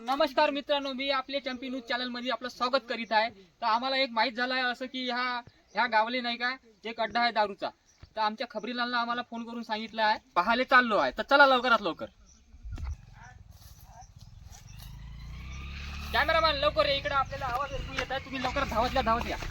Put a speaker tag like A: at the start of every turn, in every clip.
A: नमस्कार मित्रांनो, मी आपले चॅम्पियन न्यूज चॅनल मध्ये आपलं स्वागत करीत आहे। तर आम्हाला एक माहित झालं आहे असं की ह्या गावले नाही का एक अड्डा आहे दारूचा। तर आमच्या खबरीलालनं आम्हाला फोन करून सांगितलं आहे, पाहायला चाललो आहे। तर चला लवकरात लवकर। कॅमेरामॅन लवकर ये इकडे, आपल्याला आवाज येत आहे, तुम्ही लवकर धावत या।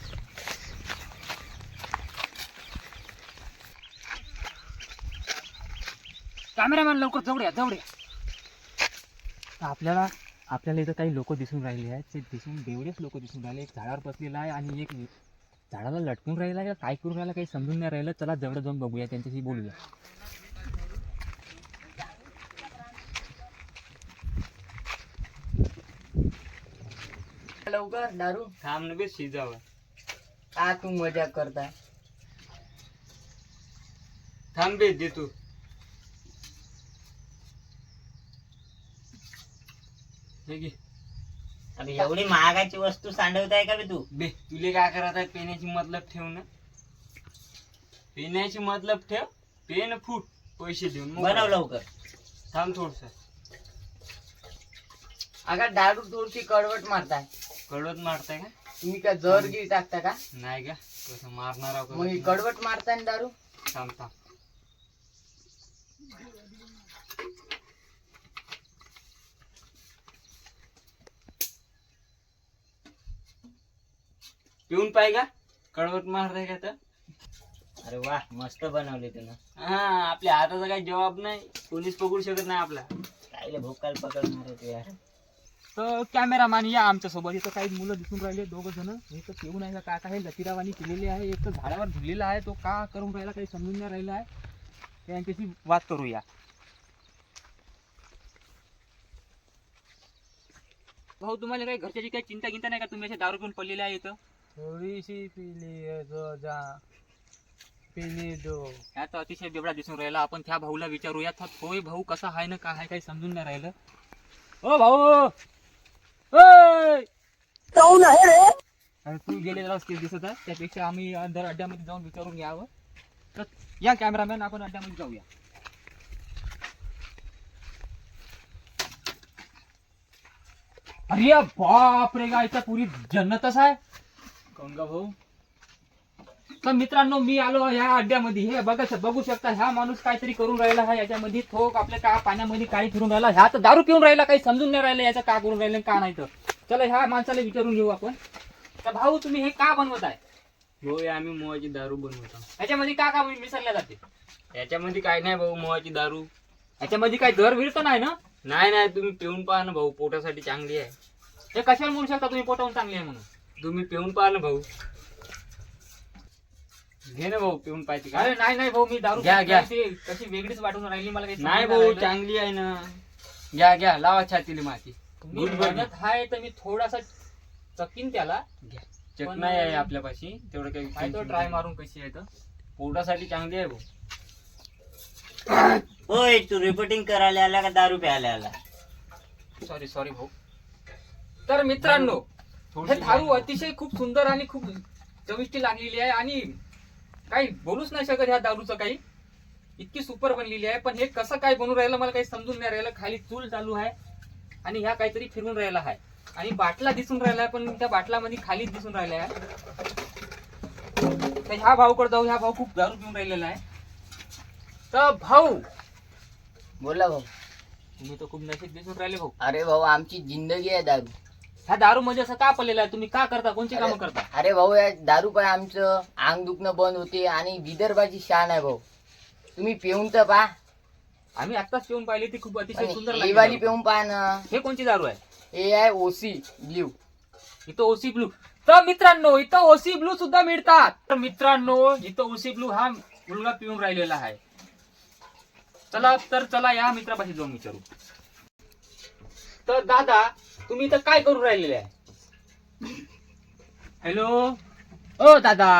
A: कॅमेरामॅन लवकर जवळ या। आपल्याला इथं काही लोक दिसून राहिले आहेत। ते बेवडेच लोक दिसून राहिले। एक झाडावर बसलेला आहे आणि एक झाडाला लटकून राहिला आहे, काय करून राहिला काही समजून नाही राहिलं। चला जवळ जाऊन बघूया, त्यांच्याशी बोलूया।
B: लवकर दारू
A: थांब बे शिजावा।
B: का तू मजाक करताय?
A: थांब बे दे तू।
B: अरे एवढी महागाची वस्तू सांडवताय का बे तू?
A: बे तुले काय करत आहे? पेण्याची मतलब ठेव ना, पेण्याची मतलब ठेव। पेन फूट पैसे देऊन
B: बनव लवकर।
A: थांब थोडस।
B: अगं दारू थोडीशी कडवट मारताय।
A: कडवत मारताय का?
B: तुम्ही का जहरगिरी टाकता का?
A: नाही का, कसं मारणार आहोत?
B: मग ही कडवट मारताय ना दारू?
A: थांब पिऊन पाय का, कडवट मारताय का? तर
B: अरे वा, मस्त बनवले तुला।
A: हा, आपल्या हाताचा काही जवाब नाही, कोणीच पकडू शकत नाही आपला।
B: कायले भोकाल पकडणार तू यार?
A: तर कॅमेरामॅन या आमच्या सोबत। इथं काही मुलं दिसून राहिले, दोघं जण। हे तर पिऊन आहे का काय लतीरावानी केलेले आहे। एक तर झाडावर झुललेला आहे, तो का करून राहिला काही समजून नाही राहिला आहे। त्यांच्याशी वाद करूया। भाऊ, तुम्हाला काही घरच्याची काही चिंता गिंता नाही का? तुम्ही असे दारू पिऊन पडलेले आहे इथं?
B: थोडीशी पिली दो।
A: ह्या तर अतिशय बेवडा दिसून राहिला। आपण त्या भाऊला विचारूया, होय भाऊ कसा आहे ना काय आहे काही समजून नाही राहिलं। ओ भाऊ, अरे तू गेलेला दिसत आहे, त्यापेक्षा आम्ही अंदर अड्ड्यामध्ये जाऊन विचारून घ्यावं। तर या कॅमेरामॅन, आपण अड्ड्यामध्ये जाऊया। अरे बाप रे, गायचा पुरी जन्नतच आहे गंगा भाऊ। तर मित्रांनो, मी आलो ह्या अड्ड्यामध्ये। हे बघू शकता, ह्या माणूस काहीतरी करून राहिला आहे याच्यामध्ये। थोक आपल्या का पाण्यामध्ये काही फिरून राहिला। ह्या तर दारू पिऊन राहिला, काही समजून नाही राहिलं याचं का करून राहिलं का नाही। तर चला ह्या माणसाला विचारून घेऊ आपण। तर भाऊ, तुम्ही हे का बनवत आहे?
C: होय, आम्ही मोहाची दारू बनवतो।
A: ह्याच्यामध्ये का मिसळल्या जाते?
C: याच्यामध्ये काय नाही भाऊ, मोहाची दारू।
A: ह्याच्यामध्ये काही दर विर तर नाही ना?
C: नाही, तुम्ही पिऊन पहा ना भाऊ, पोटासाठी चांगली आहे।
A: हे कशाला म्हणू शकता तुम्ही पोटावून चांगली आहे म्हणून?
C: तुम्ही पिऊन पहा ना भाऊ, घे ना भाऊ, पिऊन पाहिजे का?
A: अरे नाही भाऊ, मी दारू
C: घ्या.
A: कशी वेगळीच वाटून राहिली मला काही
C: नाही
A: समजून
C: भाऊ,
A: राहिलं.
C: चांगली आहे ना। घ्या, लावा छातीला माती।
A: मी म्हणत आहे तर मी थोडासा चकीन त्याला।
C: घ्या, चटणी आहे आपल्यापाशी, तेवढं काही
A: काय तो ट्राय मारून कशी आहे तर
C: पोटासाठी चांगली आहे भाऊ।
B: होय, तू रिपोर्टिंग करायला आला का दारू प्यायला आला?
A: सॉरी भाऊ। तर मित्रांनो, हे दारू अतिशय खूप सुंदर आणि खूप चविष्टी लागलेली आहे आणि काही बोलूच नाही शकत ह्या दारूचं काही। इतकी सुपर बनलेली आहे, पण हे कसं काय बनून राहिलं मला काही समजून नाही राहिलं। खाली चूल चालू आहे आणि ह्या काहीतरी फिरून राहिला आहे आणि बाटला दिसून राहिला आहे, पण त्या बाटलामध्ये खालीच दिसून राहिला आहे। तर ह्या भाऊकडे जाऊ, ह्या भाऊ खूप दारू पिऊन राहिलेला आहे। तर भाऊ,
B: बोला भाऊ।
A: तुम्ही तर खूप नशीब दिसून राहिले भाऊ।
B: अरे भाऊ, आमची जिंदगी आहे दारू।
A: ह्या दारू म्हणजे असं का पडलेलं आहे? तुम्ही का करता? कोणची कामं करता?
B: अरे भाऊ, या दारू पाय आमचं अंग दुखणं बंद होते आणि विदर्भाची शान आहे भाऊ। तुम्ही पिऊन तर पहा।
A: आम्ही आत्ताच पिऊन पाहिली, ती खूप अतिशय सुंदर
B: ही
A: लागली
B: वाली
A: दारू.
B: पिऊन पहा ना।
A: हे कोणची दारू आहे?
B: हे आहे ओसी ब्ल्यू।
A: इथं ओसी ब्लू। तर मित्रांनो, इथं ओसी ब्लू सुद्धा मिळतात। तर मित्रांनो, इथं ओसी ब्लू हा मुलगा पिऊन राहिलेला आहे। चला या मित्रापाशी जाऊन विचारू। तर दादा, तुम्ही इथं काय करून राहिलेले आहे? हॅलो, ओ दादा,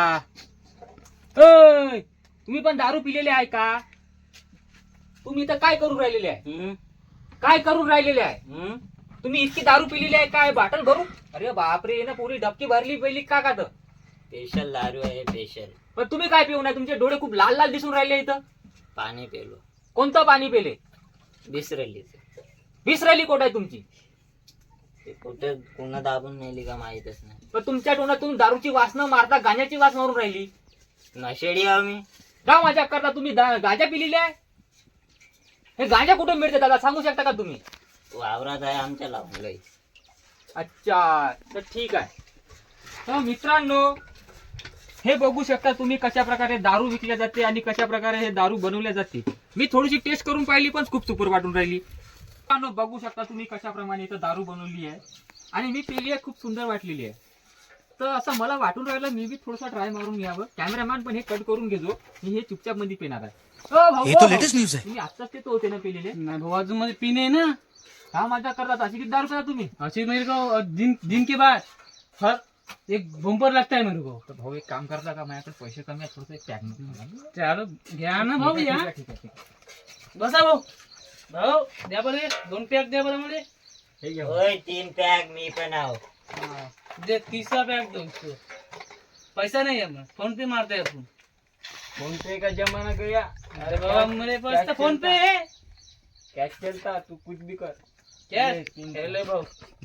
A: तुम्ही पण दारू पिलेले आहे का? तुम्ही इथं काय करून राहिलेले आहे? काय करून राहिलेले आहे? तुम्ही इतकी दारू पिलेली आहे काय? बाटल भरू? अरे बापरे, ना पुरी डबकी भरली पहिली का का?
B: स्पेशल दारू आहे, स्पेशल।
A: पण तुम्ही काय पिऊ नये? तुमचे डोळे खूप लाल लाल दिसून राहिले इथं।
B: पाणी पेलो।
A: कोणतं पाणी पेले?
B: बिसरली।
A: बिसरली कोट आहे तुमची?
B: ते कुठे पुन्हा दाबून नेली का माहितच नाही.
A: पण तुमच्या तोंडातून दारूची वास न मारता गांजाची वास मारून राहिली.
B: नशेडी आहो मी.
A: का मजा करता तुम्ही? गांजा पिलेली आहे? हे गांजा कुठे मिळते दादा, सांगू शकता का तुम्ही?
B: वावरात आहे आमच्या लावून गाई.
A: अच्छा, तर ठीक आहे. तर मित्रांनो, हे बघू शकता तुम्ही कशा प्रकारे दारू विकल्या जाते आणि कशा प्रकारे हे दारू बनवल्या जाते. मी थोडीशी टेस्ट करून पाहिली पण खूप सुपर वाटून राहिली. मित्रांनो, बघू शकता तुम्ही कशा प्रमाणे इथं दारू बनवली आहे आणि मी पिली आहे, खूप सुंदर वाटलेली आहे. तर असं मला वाटून राहिलं मी बी थोडंसं ट्राय मारून घ्यावं. कॅमेरामॅन पण हे कट करून घेतो, मी हे चुपचाप मध्ये पिणार आहे.
D: ये तो लेटेस्ट न्यूज है.
A: तुम्ही आत्ताच ते तो होते ना पिलेले?
C: नाही भाऊ, अजून मध्ये पिणे ना.
A: हा मजा करतात. अशी किती दारू पिता तुम्ही?
C: अशी मेरे को दिन के बाद हर एक बंपर लगता है मेरे को.
A: तर भाऊ एक काम करता का, माझ्याकडे पैसे कमी आहेत, थोडंसं एक पॅक
C: चलो घ्या ना भाऊ, या
A: ठीक आहे.
C: बसा भाऊ. भाऊ द्या बरं, 2 पॅक द्या बरं मला.
A: हे घ्या.
B: होय 3 पॅक मी पण आहो.
C: दे, 3रा पॅक दो इसको. पैसा नहीं है, मैं फोन पे मारते हैं अपन.
A: फोन पे का जमाना गया.
C: अरे बाबा मेरे पास तो फोन पे है.
A: कैश चलता, तू कुछ भी कर.
C: क्या
A: ये 3
C: ले भाऊ.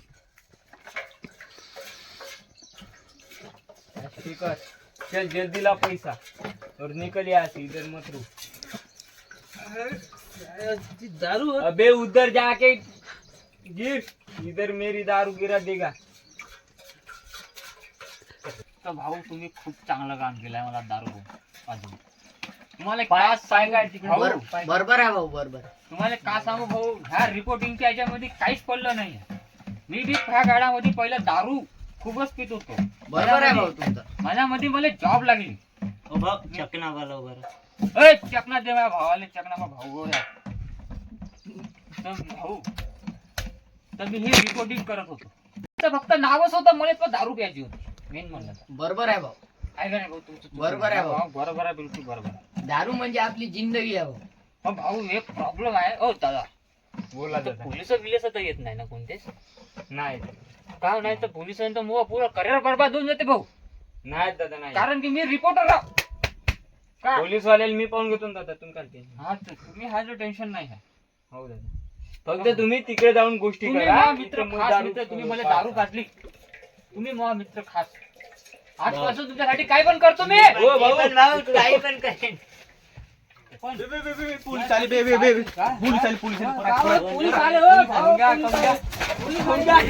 A: ठीक है, चल जल्दी ला पैसा और निकल यहाँ से, इधर मत रुक.
C: दारू
A: अबे उधर जाके गिर, इधर मेरी दारू गिरा देगा. तर भाऊ तुम्ही खूप चांगलं काम केलंय मला दारू अजून. तुम्हाला काय सांगाय तिकडे
B: बरोबर आहे भाऊ, बरोबर.
A: तुम्हाला का सांगू भाऊ, ह्या रिपोर्टिंगच्या याच्यामध्ये काहीच पडलं नाही. मी बी ह्या गाड्यामध्ये पहिला दारू खूपच पित होतो.
B: बरोबर आहे भाऊ तुमचं.
A: माझ्यामध्ये मला जॉब लागली.
B: हो भाऊ, चकना बरोबर.
A: चकना दे माझ्या भावाला, चकना माझा भाऊ गोरा. तर भाऊ, तर मी हे रिपोर्टिंग करत होतो. तर फक्त नावच होतं, मला पण दारू प्यायची होती मेन म्हणलं तर.
B: बरोबर आहे भाऊ.
A: आहे का नाही भाऊ तुमचं?
B: बरोबर आहे भाऊ.
A: बरोबर आहे, बिलकुल बरोबर आहे.
B: दारू म्हणजे आपली जिंदगी आहे भाऊ.
A: पण भाऊ एक प्रॉब्लेम आहे. ओ दादा,
C: बोला
A: पोलिस विलिस तर येत नाही ना कोणतेच?
C: नाही
A: का नाही तर पोलिसांचं मुवा पुरा करिअर बरबाद होऊन जाते भाऊ.
C: नाही दादा नाही.
A: कारण की मी रिपोर्टर राव. का?
C: पोलीस वाल्याला मी पाहून घेतो ना दादा, तुम्ही काय ते.
A: हा तर तुम्ही हा जो टेन्शन नाही आहे.
C: हो दादा, फक्त तुम्ही तिकडे जाऊन गोष्टी
A: तुम्ही
C: करा.
A: माझा मित्र
C: इथं
A: खास
C: दारू-
A: मित्र, तुम्ही मला दारू पाजली. तुम्ही माझा मित्र खास. आजपासून तुमच्यासाठी काय पण करतो मी.
C: हो भाऊ.
B: मी पण भाऊ काही पण करेन.
D: पोलीस आले, बे बे बे बे. पोलीस आले, पोलीस आले.
A: गावात पोलीस आले हो. गावात पोलीस आले. पोलीस फोन द्या.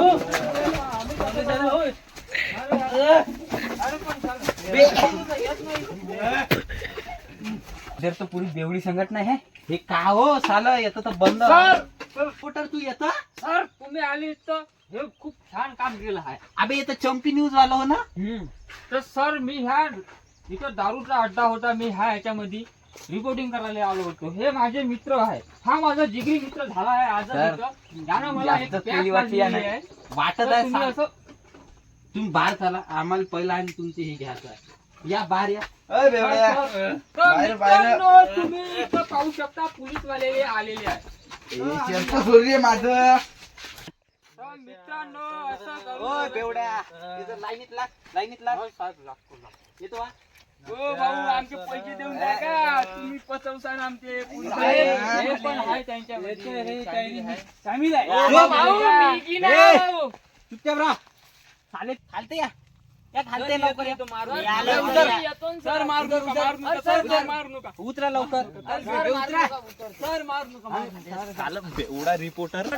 D: जर तो पोलीस बेवडी संघटना है. हे का हो साला, येतं तर बंद.
A: सर,
D: रिपोर्टर तू येता.
A: सर तुम्ही आले तर हे खूप छान काम केलं आहे.
D: अबे येतं चंपी न्यूज वाला हो ना.
A: तर सर मी ह्या इथं दारूचा अड्डा होता, मी ह्याच्यामध्ये रिपोर्टिंग करायला आलो होतो. हे माझे मित्र आहे, हा माझा जिगरी मित्र झाला आहे आज.
D: सर,
A: यानं मला एक
D: जास्त
A: पॅक
D: पेली वाटली
A: पाजलेली
D: आहे.
A: आहे.
D: वाटत
A: तर
D: आहे
A: तुम्ही
D: सा-
A: असं
D: तुम्ही बाहेर चला, आम्हाला पहिला आणि तुमचे हे घ्यायचं आहे. या बाहेर या.
A: तर
D: बाहेर-
A: मित्रांनो, तुम्ही इथं पाहू शकता पोलीसवाले आलेले आहेत.
D: माझं.
A: तर मित्रांनो असं करू
D: ओय
A: नका.
D: बेवड्या, इथं लाईनीत लाग, लाईनीत लाग.
A: हो, साहेब, लागतो, लागतो.
D: येतो हा.
A: हो भाऊ, आमचे पैसे देऊन टाका. तुम्ही पचवसान आमचे पोलीस
D: साहेब,
A: हे पण आहे त्यांच्यामध्ये.
C: सामील आहे.
A: हो भाऊ, मी की नाही भाऊ.
D: चुपचाप राहा. चालेल, खालते या. या खालते लवकर या.
B: या लवकर.
A: सर मारू नका, मारू नका, सर मारू नका.
D: उतरा लवकर.
A: सर मारू नका, सर मारू नका.
D: झालं बेवडा रिपोर्टर.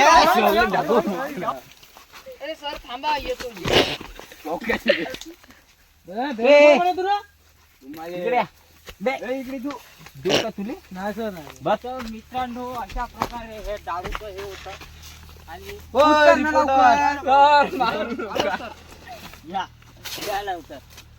B: अरे सर थांबा, येतो.
D: इकडे या. बे, इकडे तू. देऊ का तुले? बस.
A: तर मित्रांनो अशा प्रकारे हे दारूचं हे होतं आणि
D: ओय, रिपोर्टर.
A: सर मारू नका.
B: या या लवकर.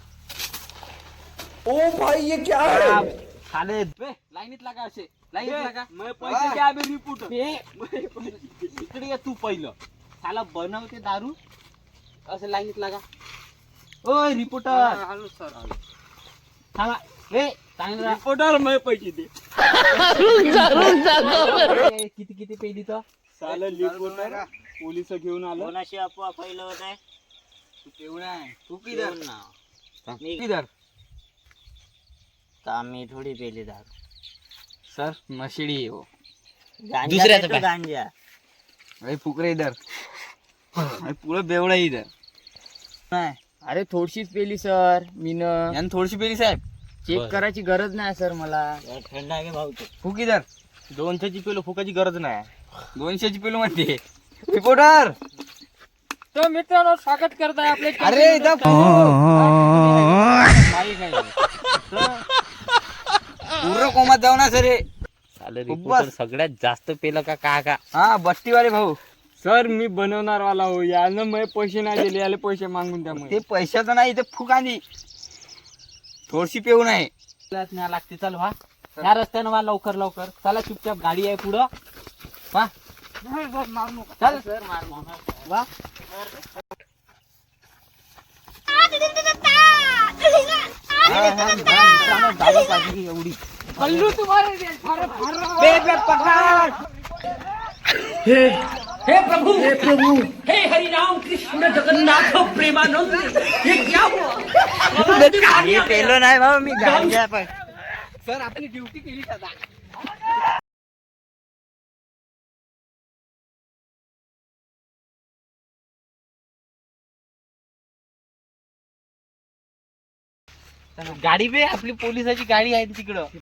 D: खाले. बे, लाईनीत लागा असे. लाईनीत लागा.
A: पैसे द्या बे रिपोर्टर.
D: इकडे ये तू पहिलं. साला बनवते दारू. असं लाईनीत लागा. ओय रिपोर्टर.
A: Hello sir.
D: थांबा. ए, चांगलं राहा.
A: रिपोर्टर मैं पैसे दे.
D: ए, किती किती पेली तर
C: चालेल रिपोर्टर पोलिस घेऊन आलो.
B: कोणाशी अफवा पहिलं होत आहे?
D: तू
B: येऊन ना. मी
D: किधर
B: का मी थोडी पेली दारू.
D: सर नशेडी हो.
B: गांजा देतो, गांजा.
D: अरे फुकरे इधर. पुढं बेवडा इथं नाही
B: अरे थोडीशीच पेली सर मीनं
D: यानं थोडीशी पेली साहेब.
B: चेक करायची गरज नाही सर मला.
D: थंड आहे भाऊ फुक इधर 200ची पेलो फुकाची गरज नाही. 200ची पेलो म्हणते रिपोर्टर.
A: तर मित्रांनो स्वागत करताय आपले
D: अरे इथं पूर्ण कोमात जाऊ ना सर.
E: रिपोर्टर सगळ्यात जास्त पेलं का का
D: हा बस्तीवाले भाऊ.
A: सर मी बनवणार वाला हो यानं मला पैसे नाही दिले याला पैसे मागून त्यामुळे
D: ते पैशाचं नाही ते फुक आधी थोडीशी पेऊ नाही.
E: न्या लागते चल वा ह्या रस्त्यानं वा लवकर लवकर चला चुपचाप गाडी आहे पुढं वा चल
B: सर मार
E: वा एवढी
A: कल्लू तुम्हारे
D: पेलो नाही भाऊ मी गांजा पण.
A: सर आपली ड्युटी केली सदा.
E: गाडी बे आपली पोलिसाची गाडी आहे तिकडं